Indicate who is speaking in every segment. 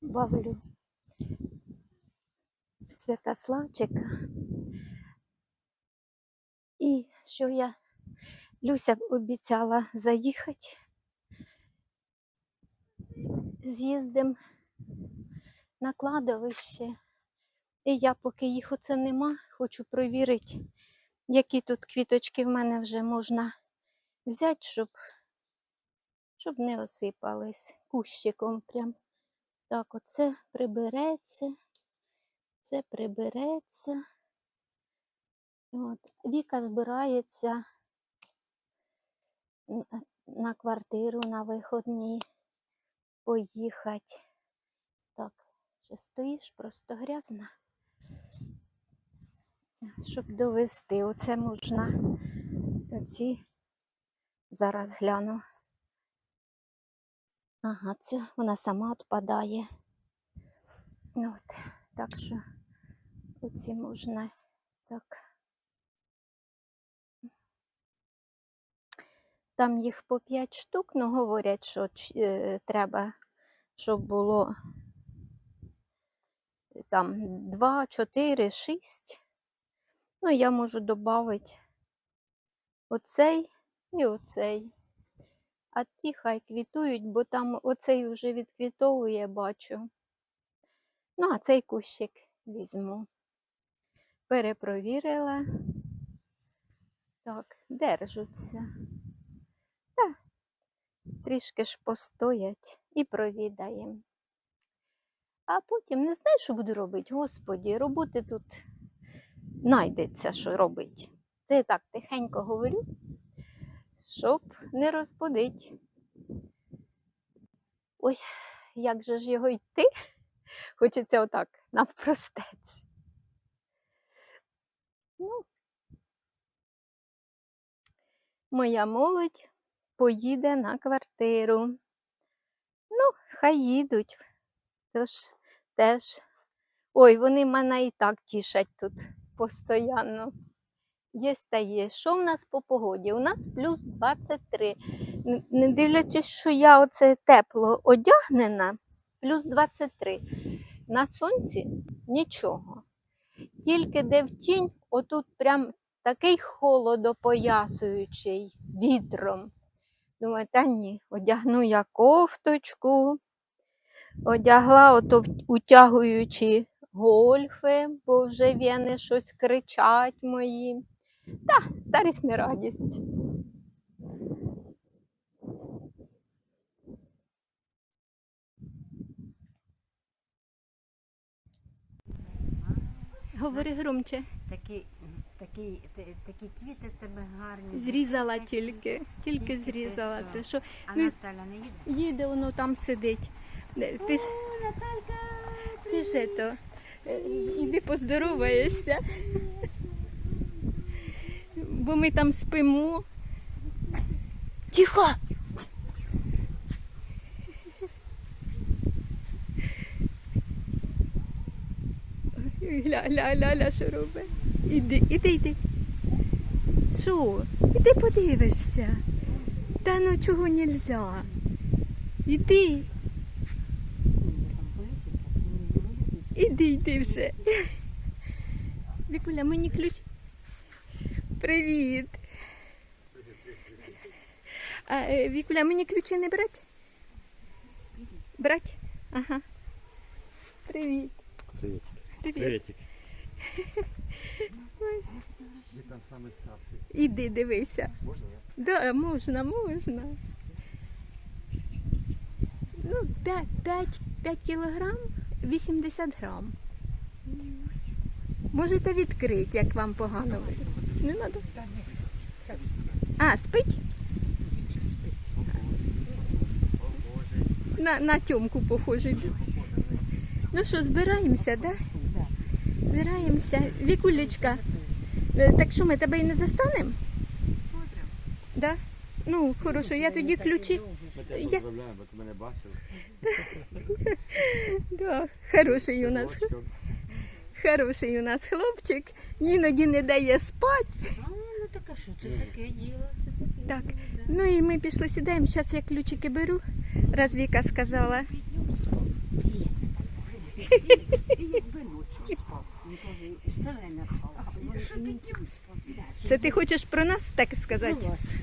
Speaker 1: бавлю Святославчика. І що Люся обіцяла заїхати, з'їздимо на кладовище. І я, поки їх оце нема, хочу провірити, які тут квіточки в мене вже можна взяти, щоб не осипались кущиком прям. Так, оце прибереться, це прибереться. От. Віка збирається на квартиру на виходні поїхати. Так, ще стоїш, просто грязна. Щоб довести, оце можна. Оці зараз гляну. Ага, це вона сама відпадає. От, так що оці можна так. Там їх по 5 штук, але говорять, що треба, щоб було там 2, 4, 6. Ну, я можу додати оцей і оцей. А ті хай квітують, бо там оцей вже відквітовує, бачу. Ну, а цей кущик візьму. Перепровірила. Так, держуться. Та, трішки ж постоять і провідаємо. А потім не знаю, що буду робити. Господі, роботи тут знайдеться, що робити. Це я так тихенько говорю, щоб не розбудити. Ой, як же ж його йти? Хочеться отак, навпростець. Ну, моя молодь поїде на квартиру. Ну, хай їдуть. Тож теж. Ой, вони мене і так тішать тут постійно. Є та є. Що в нас по погоді? У нас плюс 23. Не дивлячись, що я оце тепло одягнена, плюс 23. На сонці нічого. Тільки де в тінь, отут прям такий холодопоясуючий вітром. Думаю, та ні, одягну я кофточку, одягла ото утягуючи гольфи, бо вже вени щось кричать мої. Та, старість не радість. Говори громче.
Speaker 2: Такі квіти тебе гарні.
Speaker 1: Зрізала тільки зрізала.
Speaker 2: Ти
Speaker 1: Що?
Speaker 2: А Наталя не їде?
Speaker 1: Їде, воно там сидить. Ти ж,
Speaker 2: Наталька!
Speaker 1: ти ж іди поздороваєшся. Бо ми там спимо. Тихо! Гля, що робить? Іди. Що? Іди подивишся. Та ну чого нельзя? Іди. Іди вже. Вікуля, мені ключ. Привіт. Вікуля, мені ключі не брать? Брать? Ага. Привіт.
Speaker 3: Приветик. Я там самый старший.
Speaker 1: Іди, дивися.
Speaker 3: Можна?
Speaker 1: Да, можна. Ну, 5 кілограм, 80 грам. Можете відкрити, як вам погано буде. Не треба? А, спить? На Тьомку похожий. Ну що, збираємося, так? Да? Збираємося. Вікулечка, так що ми тебе і не застанемо? Да? Ну, хорошо, я тоді ключі.
Speaker 3: Ми тебе поздравляємо, бо ти мене бачив.
Speaker 1: Да, хороший у нас хлопчик. Іноді не дає спати.
Speaker 2: Ну так а що, це таке діло?
Speaker 1: Так, ну і ми пішли, сідаємо. Зараз я ключики беру. Раз Віка сказала.
Speaker 2: І якби ночі спав. Він каже, все время спав. А що ти днем спав?
Speaker 1: Це ти хочеш про нас так сказати?
Speaker 2: Про вас.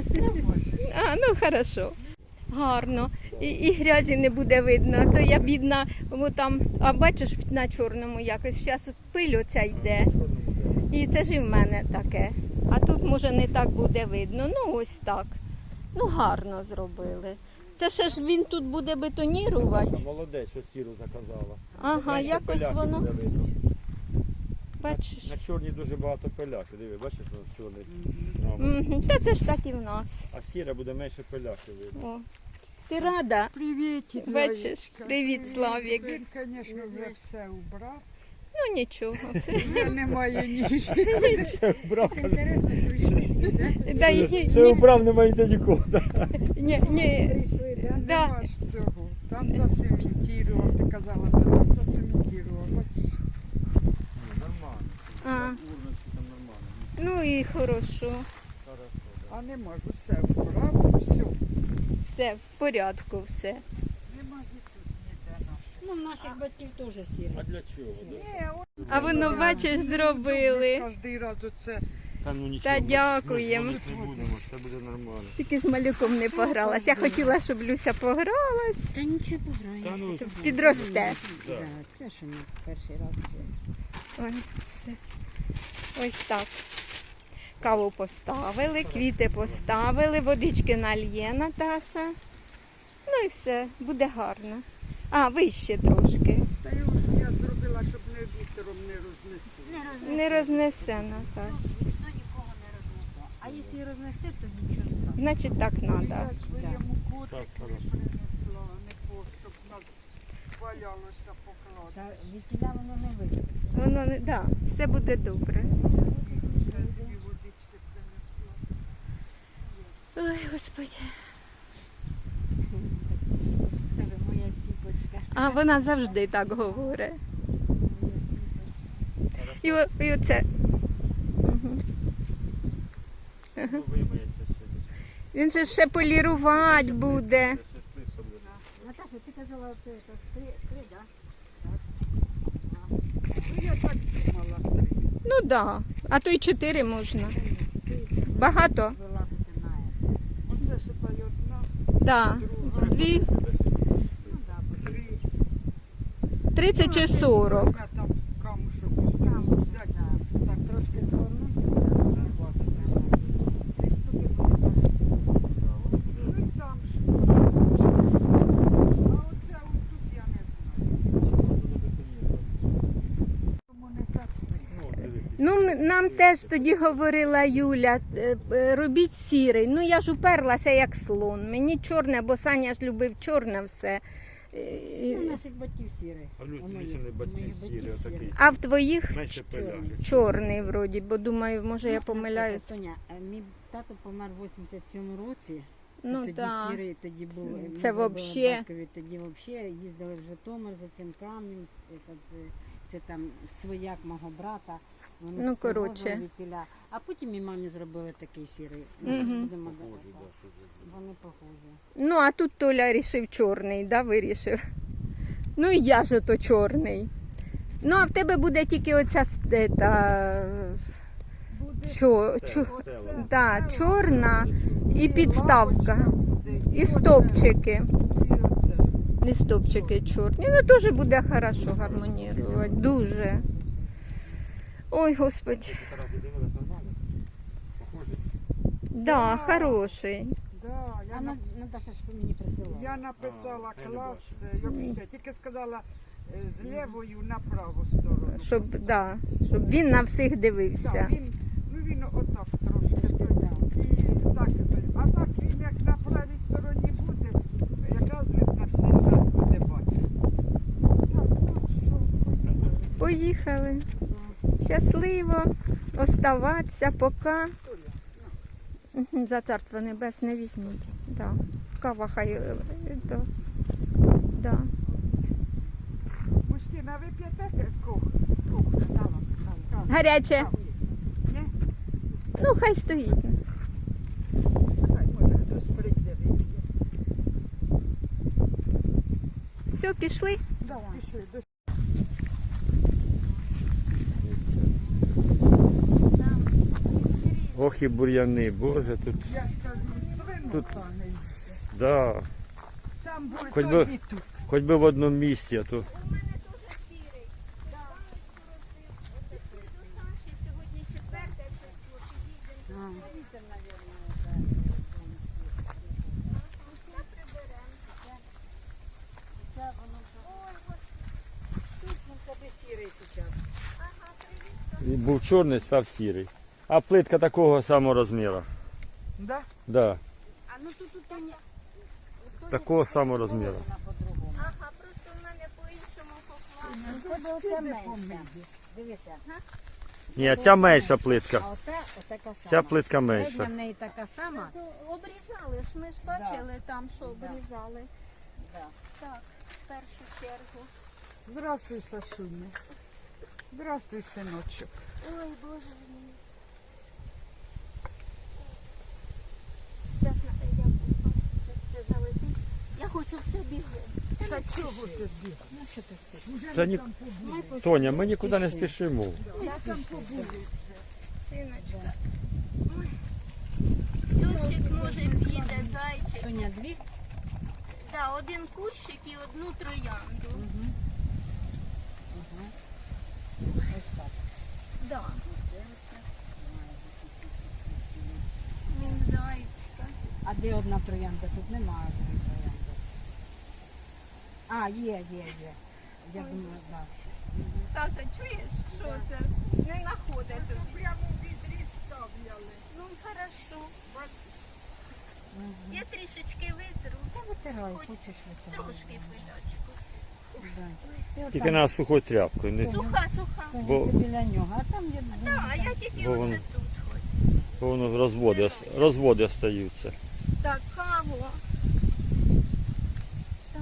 Speaker 1: А, ну хорошо. Гарно. І грязі не буде видно. То я бідна, бо там, а бачиш на чорному якось, зараз пиль оця йде. І це ж і в мене таке. А тут, може, не так буде видно. Ну, ось так. Ну, гарно зробили. Це ще ж він тут буде бетонірувати.
Speaker 3: Молодець, що сіру заказала.
Speaker 1: Ага,
Speaker 3: Менше
Speaker 1: якось
Speaker 3: пиляки
Speaker 1: воно.
Speaker 3: буде видно.
Speaker 1: Бачиш.
Speaker 3: На чорній дуже багато пиляки. Диви, бачиш, на чорний. номер.
Speaker 1: Мгм. Та це ж так і в нас.
Speaker 3: А сіра буде менше пиляки видно.
Speaker 1: О. Ти рада?
Speaker 4: Привіт,
Speaker 1: Бачиш? Привіт, Славік.
Speaker 4: Він, звісно, вже все убрав.
Speaker 1: Ну нічого. Все.
Speaker 4: Вже немає ні.
Speaker 3: Все вбрав, каже.
Speaker 1: Да, і-
Speaker 3: Все вбрав, немає ніде нікого.
Speaker 1: ні. Да.
Speaker 4: Нема ж цього. Там зацементував, ти казала, що там зацементував. Бачиш?
Speaker 3: Нормально.
Speaker 1: А,
Speaker 3: Урночки там нормально.
Speaker 1: ну і хорошо.
Speaker 4: А не можу, все вбрав, все.
Speaker 1: Все в порядку, все.
Speaker 4: Нема і тут ніде нашого.
Speaker 2: Ну, в наших батьків теж сіре.
Speaker 3: А для чого? да?
Speaker 4: Ні, от
Speaker 1: А воно, бачиш, зробили.
Speaker 4: кожен раз оце.
Speaker 3: Та ну нічого.
Speaker 1: Та
Speaker 3: ми ж
Speaker 1: дякуємо.
Speaker 3: дзвонити не будемо, все буде нормально.
Speaker 1: Тільки з малюком не погралась. Я хотіла, щоб Люся погралась.
Speaker 2: Та нічого пограємося.
Speaker 3: Та ну,
Speaker 1: Щоб підросте.
Speaker 2: Да, це що ми перший раз.
Speaker 1: Ой, все. Ось так. Каву поставили, квіти поставили, водички нальє Наташа. Ну і все, буде гарно. А, вище трошки.
Speaker 4: Та й ось я зробила, щоб не вітром не рознесли.
Speaker 1: Не рознесе, Наташ.
Speaker 2: Ніхто нікого не рознесе. А якщо і рознесе, то нічого страшного.
Speaker 1: Значить так треба.
Speaker 4: Я своєму
Speaker 3: Так,
Speaker 4: котику
Speaker 3: хорошо.
Speaker 4: принесла, а не по, щоб нас валялося поклад.
Speaker 2: Та від тіля воно не вийде.
Speaker 1: Воно не, да, все буде добре.
Speaker 4: Вже дві водички принесла.
Speaker 1: Ой, Господи.
Speaker 2: Скажи, моя ціпочка.
Speaker 1: А вона завжди так говорить. І оце. Мгм.
Speaker 3: Ну, вимиється ще.
Speaker 1: Він же ще полірувати буде.
Speaker 2: Наташа, ти казала, це три, да?
Speaker 4: Ну я так думала, 3.
Speaker 1: Ну так. Да. А то й 4 можна. Багато?
Speaker 2: Вилазити на це.
Speaker 4: Оце ще та й одна,
Speaker 1: Да.
Speaker 4: друга,
Speaker 1: 2,
Speaker 2: Ну, да,
Speaker 4: 3.
Speaker 1: 30 чи 40.
Speaker 4: Я там камушок успів взяти, так красиво. Ну і там ж. А оце отут я не знаю. Тому не так.
Speaker 1: Ну, нам теж тоді говорила Юля, робіть сірий. Ну, я ж уперлася як слон. Мені чорне, бо Саня ж любив чорне все.
Speaker 2: Ну, наших батьків сіре.
Speaker 3: А Люся,
Speaker 2: У моїх-
Speaker 3: Люся не
Speaker 2: у
Speaker 3: батьків
Speaker 2: моїх
Speaker 3: сірі,
Speaker 2: батьків
Speaker 3: отакий.
Speaker 1: А в твоїх
Speaker 3: Менше пиляки.
Speaker 1: чорний вроді, бо думаю, може я
Speaker 2: Ну,
Speaker 1: помиляюсь.
Speaker 2: Тоня, мій тато помер в 87-му році. Це
Speaker 1: Ну,
Speaker 2: тоді
Speaker 1: да.
Speaker 2: сірий, тоді був. ми
Speaker 1: Це
Speaker 2: зробили
Speaker 1: вообще.
Speaker 2: батькові, тоді взагалі їздили в Житомир за цим камнем. Це там свояк мого брата. Вони
Speaker 1: Ну,
Speaker 2: з того
Speaker 1: коротше.
Speaker 2: звідтіля. А потім і мамі зробили такий сірий.
Speaker 1: Мгм.
Speaker 2: Будемо
Speaker 3: Похожі,
Speaker 2: казати.
Speaker 3: да, що ж.
Speaker 2: Вони похожі.
Speaker 1: Ну, а тут Толя рішив чорний, да, вирішив. Ну і я ж ото чорний. Ну, а в тебе буде тільки оця
Speaker 3: Стела.
Speaker 1: чорна і підставка. І
Speaker 4: оце,
Speaker 1: стопчики.
Speaker 4: І оце.
Speaker 1: І стопчики чорні. Ну, теж буде хорошо гармонірувати. Дуже. Ой, Господи.
Speaker 3: Ти раз дивилась нормально? Похожі?
Speaker 1: Да, хороший.
Speaker 4: Да,
Speaker 2: А Наташа ж мені присилала.
Speaker 4: я написала
Speaker 3: я не
Speaker 4: клас, як ще, тільки сказала з лівою на праву сторону.
Speaker 1: Щоб він на всіх
Speaker 4: Так,
Speaker 1: дивився.
Speaker 4: він отак трошки. І так, а так він як на правій стороні буде, якраз він на всіх нас буде бачити. Так, ну що,
Speaker 1: Поїхали. Щасливо. Оставатися, поки. Мгм, за царство небесне візьміть. Да. Кава хай. Да.
Speaker 4: мужчина, ви п'єте кох?
Speaker 1: Гаряче.
Speaker 4: Ні?
Speaker 1: Ну, хай стоїть.
Speaker 4: Хай, може, хтось прийде, вип'є.
Speaker 1: Все, пішли?
Speaker 4: Да, пішли.
Speaker 3: Ох і бур'яни, боже, тут,
Speaker 4: Я ж кажу, свинка
Speaker 3: Тут-
Speaker 4: не їсть.
Speaker 3: да,
Speaker 4: Там буде
Speaker 3: Хоч
Speaker 4: то
Speaker 3: би-
Speaker 4: і тут.
Speaker 3: хоч би в одному місці, а то
Speaker 1: У мене теж сірий. Пішли до Саші, сьогодні 4 число, підійдемо. Та приберемо. Ой,
Speaker 2: Тут він собі сірий зараз.
Speaker 1: ага, привіт.
Speaker 3: і був чорний, став сірий. А плитка такого самого розміру.
Speaker 4: Да?
Speaker 3: Да,
Speaker 2: А ну тут не...
Speaker 3: такого самого розміру.
Speaker 2: Вона по-другому.
Speaker 1: Ага, просто в мене по-іншому поклали.
Speaker 2: У тебе оце менше. Дивися.
Speaker 3: Ні, ця менша плитка.
Speaker 2: А оце така сама.
Speaker 3: Ця плитка
Speaker 2: Середня
Speaker 3: менша.
Speaker 2: в неї така сама.
Speaker 1: Ну, обрізали ж, ми ж бачили там, що обрізали.
Speaker 2: Да.
Speaker 1: Так, в першу чергу.
Speaker 4: Здравствуй, Сашуня. Здравствуй, синочок.
Speaker 1: Ой, Боже мій. Зараз я все залетить. Я хочу все бігти.
Speaker 4: Та чого тобі?
Speaker 2: Ну що ти хочеш?
Speaker 4: Уже
Speaker 3: Та
Speaker 4: ми
Speaker 3: ні-
Speaker 4: там побули.
Speaker 2: Ми пос-
Speaker 3: Тоня, ми нікуди не спішимо.
Speaker 4: Я там побули.
Speaker 1: Синочка. Ой. Дощик може піде, зайчик.
Speaker 2: Соня, дві?
Speaker 1: Да, один кущик і одну троянду.
Speaker 2: Ось так.
Speaker 1: Да. Він зайчика.
Speaker 2: А де одна троянда? Тут немає одної троянди. А, є. Я думаю, так.
Speaker 1: Саша, чуєш, що це? Не знаходить тобі.
Speaker 4: Прямо в відрі ставляли.
Speaker 1: Ну, хорошо. Я трішечки витру,
Speaker 2: Та витирай,
Speaker 1: Хоч
Speaker 2: хочеш витирай.
Speaker 1: трошки пилячку.
Speaker 2: Да.
Speaker 3: Тільки треба сухою тряпкою. Не,
Speaker 1: Суха, суха.
Speaker 3: Бо-
Speaker 2: Біля нього, а там є...
Speaker 1: Так, я тільки
Speaker 3: Бо
Speaker 1: оце
Speaker 3: воно-
Speaker 1: тут хоч.
Speaker 3: бо воно розводи остаються.
Speaker 1: Так, каву. Так.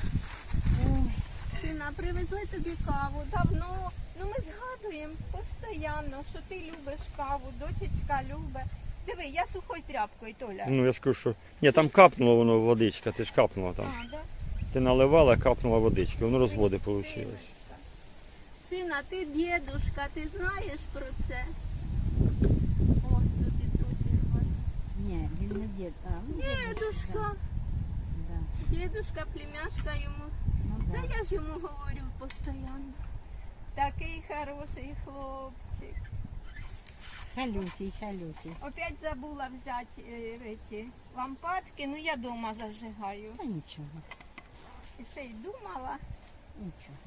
Speaker 1: Сина, привезли тобі каву. Давно. Ну ми згадуємо постійно, що ти любиш каву, дочечка любить. Диви, я сухою тряпкою, Толя.
Speaker 3: Ну я ж кажу, що. Ні, там капнула воно водичка, ти ж капнула там.
Speaker 1: А, да?
Speaker 3: Ти наливала, капнула водичка, воно розводи вийшло.
Speaker 1: Сина, ти дідушка, ти знаєш про це? О, тут і тут.
Speaker 2: Ні, він не дід. А, ну,
Speaker 1: Дідушка,
Speaker 2: Да.
Speaker 1: дідушка, племяшка йому.
Speaker 2: Ну,
Speaker 1: Та
Speaker 2: да.
Speaker 1: я ж йому говорю постійно. Такий хороший хлопчик.
Speaker 2: Халюсій.
Speaker 1: Опять забула взяти ці лампадки, ну я дома зажигаю.
Speaker 2: Та нічого,
Speaker 1: І ще й думала.
Speaker 2: нічого.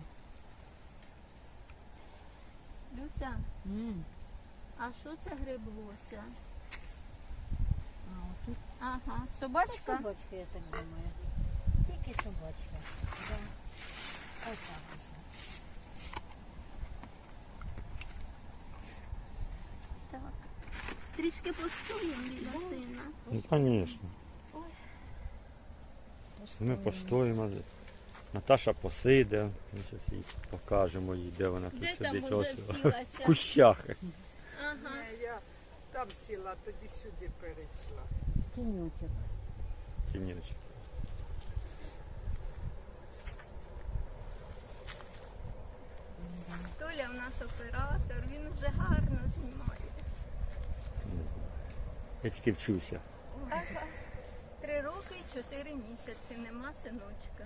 Speaker 1: Люся,
Speaker 2: М.
Speaker 1: а що це гриблося?
Speaker 2: А отут
Speaker 1: Ага, собачка?
Speaker 2: собачка, я так думаю. Тільки собачка. Да. Ось так ось.
Speaker 1: Так. Трішки постоїмо біля сина.
Speaker 3: Ну, звісно. Ми постоїмо. Наташа посиде, ми зараз їй покажемо їй, де вона тут
Speaker 1: Де там
Speaker 3: сидить.
Speaker 1: уже
Speaker 3: Ось в
Speaker 1: сілася?
Speaker 3: кущах.
Speaker 1: Ага.
Speaker 4: Ні, я там сіла, тоді сюди перейшла.
Speaker 2: Тінючок.
Speaker 3: Тінючок.
Speaker 1: Толя у нас оператор, він вже гарно знімає.
Speaker 3: Не знаю. Я тільки вчуся.
Speaker 1: Ага. 3 роки і 4 місяці, нема синочка.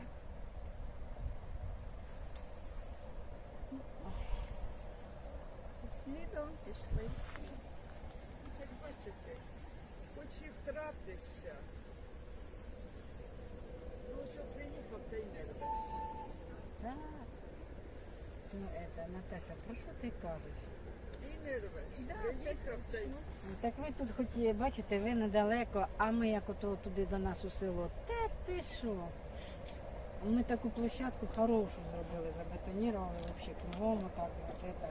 Speaker 1: Слідом пішли всі.
Speaker 4: Це бачите, хоч і втратися. Ну, що приїхав, та й не рвеш.
Speaker 2: Так. Ну, это, Наташа, про що ти кажеш?
Speaker 4: І не рвеш.
Speaker 1: Да,
Speaker 4: Приїхав, та й
Speaker 2: Так ви тут хоч і бачите, ви недалеко, а ми як ото туди до нас у село. Та ти що? Ми таку площадку хорошу зробили, забетонірували взагалі кругом, отак, от это.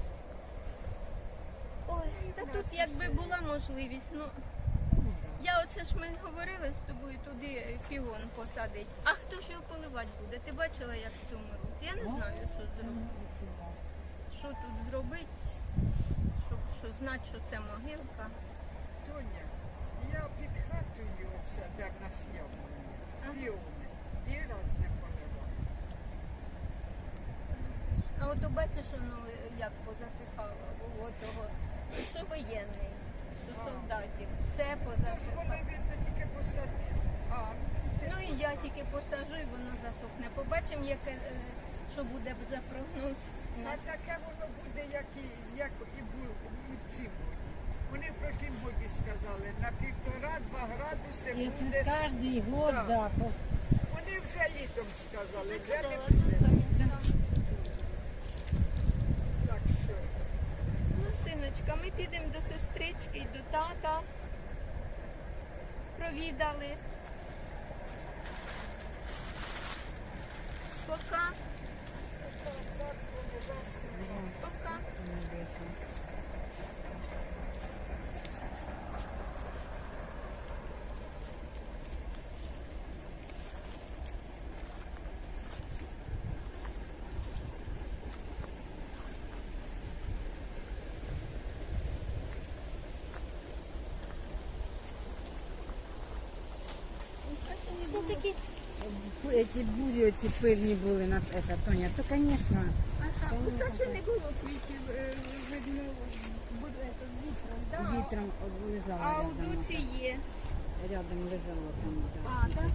Speaker 1: Ой, та тут якби була можливість, ну
Speaker 2: Ну, да.
Speaker 1: я оце ж ми говорили з тобою туди піон посадити. А хто ж його поливати буде? Ти бачила, як в цьому році? Я не знаю, що зробити. Що тут зробити, щоб знати, що це могилка.
Speaker 4: Тоня, я під хатою оце, де в нас яблуні, піони, і раз не поливала.
Speaker 1: А от бачиш, воно як позасихало, було того, що воєнний, що солдатів. Все
Speaker 4: Тож
Speaker 1: позасипало.
Speaker 4: вони, видно, тільки посадили.
Speaker 1: Ну і я тільки посажу, і воно засохне. Побачимо, що буде за прогноз.
Speaker 4: А таке воно буде, як і було і в цім годі. Вони в прошлім годі сказали, на 1,5-2 градуси
Speaker 2: І це
Speaker 4: буде.
Speaker 2: кожний год,
Speaker 4: Так.
Speaker 2: да.
Speaker 4: Вони вже літом сказали, вже не
Speaker 1: Закидала
Speaker 4: буде.
Speaker 1: тут.
Speaker 4: Так що,
Speaker 1: Ну, синочка, ми підемо до сестрички і до тата. Провідали. Пока.
Speaker 4: царство небесне.
Speaker 1: Пока.
Speaker 2: Небесне. Эти бурі оці пильні були на це, Тоня, то, звісно.
Speaker 1: Ага, у Саші не було квітів, видно, буде вітром. Да.
Speaker 2: Вітром лежала
Speaker 1: А у
Speaker 2: рядом.
Speaker 1: Дуці є.
Speaker 2: Рядом лежало там. Да.
Speaker 1: А, так?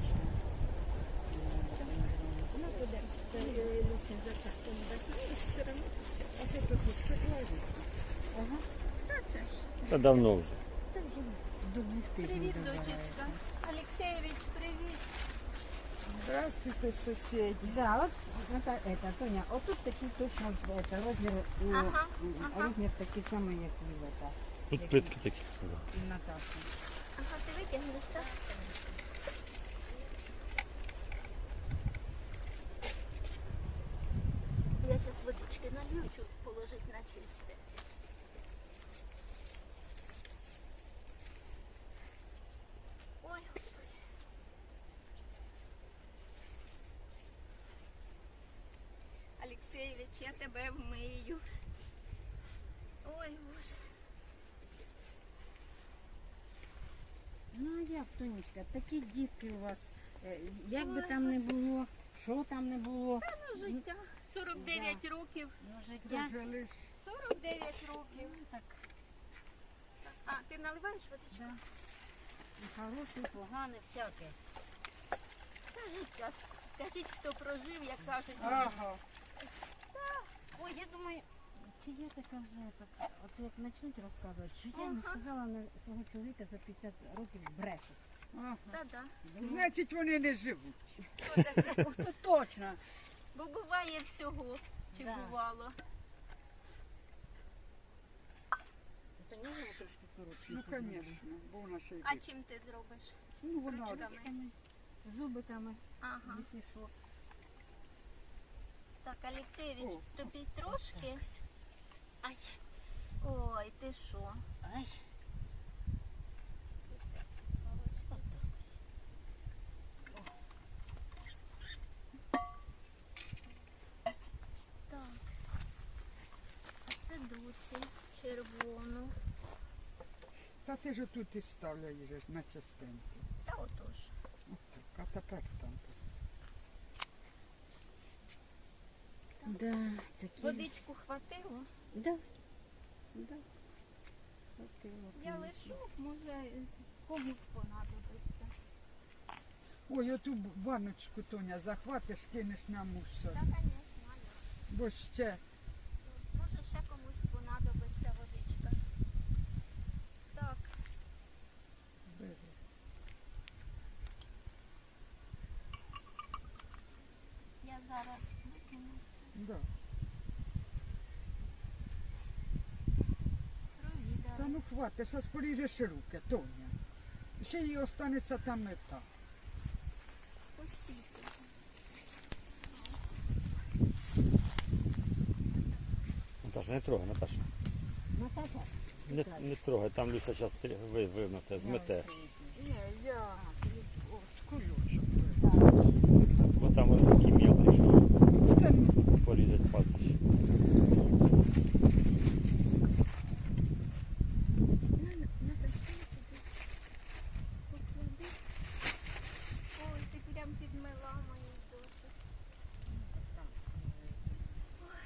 Speaker 1: Ну, подальше, Люся, за це все одно.
Speaker 2: А що тут сподівається? Ага.
Speaker 1: Та це ж.
Speaker 3: Та давно вже.
Speaker 2: До 2 тижнів
Speaker 1: Привіт,
Speaker 2: добирається.
Speaker 1: дочечка. Алексеєвич, привіт.
Speaker 4: Здравствуйте, сусіди.
Speaker 2: Да, от это, Тоня, отут такий точно это, розмір,
Speaker 1: Ага, ага.
Speaker 2: розмір такий самий, як і в это,
Speaker 3: Тут плитки такі.
Speaker 2: і Наташі.
Speaker 1: Ага, ти витягнеш, так? Я зараз водички налью, щоб положити на чисте. Ой, Господи. Алексеєвич, я тебе вмию. Ой, Боже.
Speaker 2: Ну, а як, Тонечка, такі дітки у вас, як би там не було, що там не було,
Speaker 1: Ну, життя. 49 років.
Speaker 2: ну, життя.
Speaker 4: Дожили ж.
Speaker 1: 49 років.
Speaker 2: Так,
Speaker 1: А, ти наливаєш водичку?
Speaker 2: да. І хороше, погане, всяке.
Speaker 1: Скажіть, хто прожив, як кажуть.
Speaker 4: Ага.
Speaker 1: Ой, я думаю,
Speaker 2: Чи я така вже, оце як почнуть розказувати, що я не
Speaker 1: Ага.
Speaker 2: сказала на свого чоловіка за 50 років брешу.
Speaker 4: Ага.
Speaker 1: та-да.
Speaker 4: Значить, вони не живуть.
Speaker 1: Що таке?
Speaker 2: Це точно.
Speaker 1: Бо буває всього, чи
Speaker 2: Да.
Speaker 1: бувало.
Speaker 2: То не було трошки коротше.
Speaker 4: Ну, звісно, бо вона ще й
Speaker 1: А
Speaker 4: бить.
Speaker 1: чим ти зробиш?
Speaker 4: Ну, вона
Speaker 1: ручками?
Speaker 2: Зубиками,
Speaker 1: Ага.
Speaker 2: якщо що.
Speaker 1: Так, Алексеєвич,
Speaker 4: О.
Speaker 1: тобі трошки. Ай. Ой, ти що?
Speaker 2: Ай.
Speaker 1: Так. А це Дуці, червону.
Speaker 4: Та ти ж тут і ставляєш же на частинки.
Speaker 1: Та отож.
Speaker 4: Отак, а тепер там постав.
Speaker 2: Да, такі.
Speaker 1: Водичку хватило?
Speaker 2: Да. Да. Хватило,
Speaker 1: Я
Speaker 2: конечно.
Speaker 1: лишу, може, комусь понадобиться.
Speaker 4: Ой, оту баночку, Тоня, захватиш, кинеш на мусор.
Speaker 1: Та, звісно,
Speaker 4: Бо ще
Speaker 1: може ще комусь понадобиться водичка. Так,
Speaker 4: бери.
Speaker 1: я зараз викину все.
Speaker 4: Да.
Speaker 1: Провідала.
Speaker 4: Та ну хватиш, а поріжеш руки, Тоня. Ще їй останеться там мета.
Speaker 1: Пустіть.
Speaker 3: Наташа, не трогай, Наташа.
Speaker 2: Наташа?
Speaker 3: Не трогай, там Люся зараз вимете, змете.
Speaker 4: Ні, я от кульочок.
Speaker 3: Бо там ось такі мілкі, що
Speaker 4: Та
Speaker 3: порізать пальці. ще.
Speaker 1: Ой, ти прям підмила мої дочі.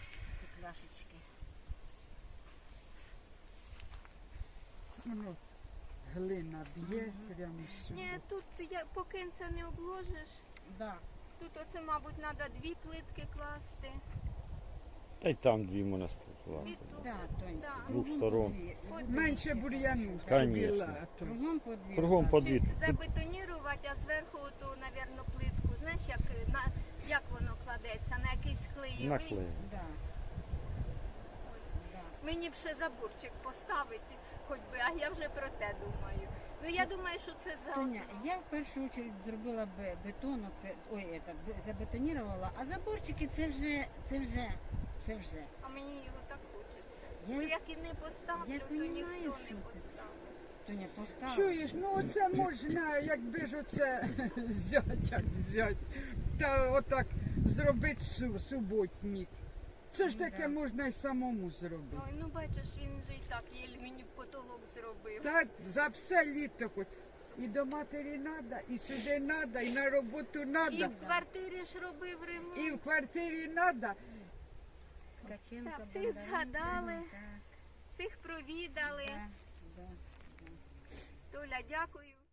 Speaker 2: Стекляшечки.
Speaker 4: ну, глина б'є прямо сюди.
Speaker 1: Ні, тут поки це не обложиш.
Speaker 2: Да.
Speaker 1: Тут оце, мабуть, треба 2 плитки класти.
Speaker 3: Та й там дві монастири.
Speaker 1: І тут.
Speaker 2: Да, Тонь,
Speaker 1: Да.
Speaker 3: Двох
Speaker 2: кругом
Speaker 3: сторон.
Speaker 2: по дві.
Speaker 1: По
Speaker 4: Менше бур'яну.
Speaker 3: Конечно.
Speaker 2: Кругом по дві.
Speaker 3: Кругом
Speaker 2: да.
Speaker 3: по
Speaker 1: Чи
Speaker 3: дві.
Speaker 1: забетонірувати, а зверху ту, мабуть, плитку. Знаєш, як воно кладеться? На якийсь клеєвий?
Speaker 3: Наклеїмо.
Speaker 2: Да. Да.
Speaker 1: Мені б ще заборчик поставити, хоч би, а я вже про те думаю. Ну я думаю, що це
Speaker 2: Тоня,
Speaker 1: заодно.
Speaker 2: я в першу чергу зробила бетон, забетонувала, а заборчики це вже.
Speaker 1: А мені його так хочеться.
Speaker 2: Я-
Speaker 1: Бо як і не поставлю,
Speaker 2: я
Speaker 1: то
Speaker 2: понімаю,
Speaker 1: ніхто
Speaker 2: що
Speaker 1: не
Speaker 2: ти.
Speaker 1: поставить.
Speaker 2: Тоня, поставила.
Speaker 4: Чуєш, ну оце можна, якби ж оце зять, та отак зробити суботник. Це ж таке можна й самому зробити.
Speaker 1: Ой, ну бачиш, він же і так їль мені потолок зробив.
Speaker 4: Так, за все літо хоч. І до матері треба, і сюди треба, і на роботу
Speaker 1: І
Speaker 4: треба,
Speaker 1: в квартирі ж робив ремонт.
Speaker 4: і в квартирі треба.
Speaker 2: Ткаченко,
Speaker 1: Так, всіх
Speaker 2: Бондаренко,
Speaker 1: згадали.
Speaker 2: так,
Speaker 1: Всіх провідали.
Speaker 2: да, да.
Speaker 1: Толя, дякую.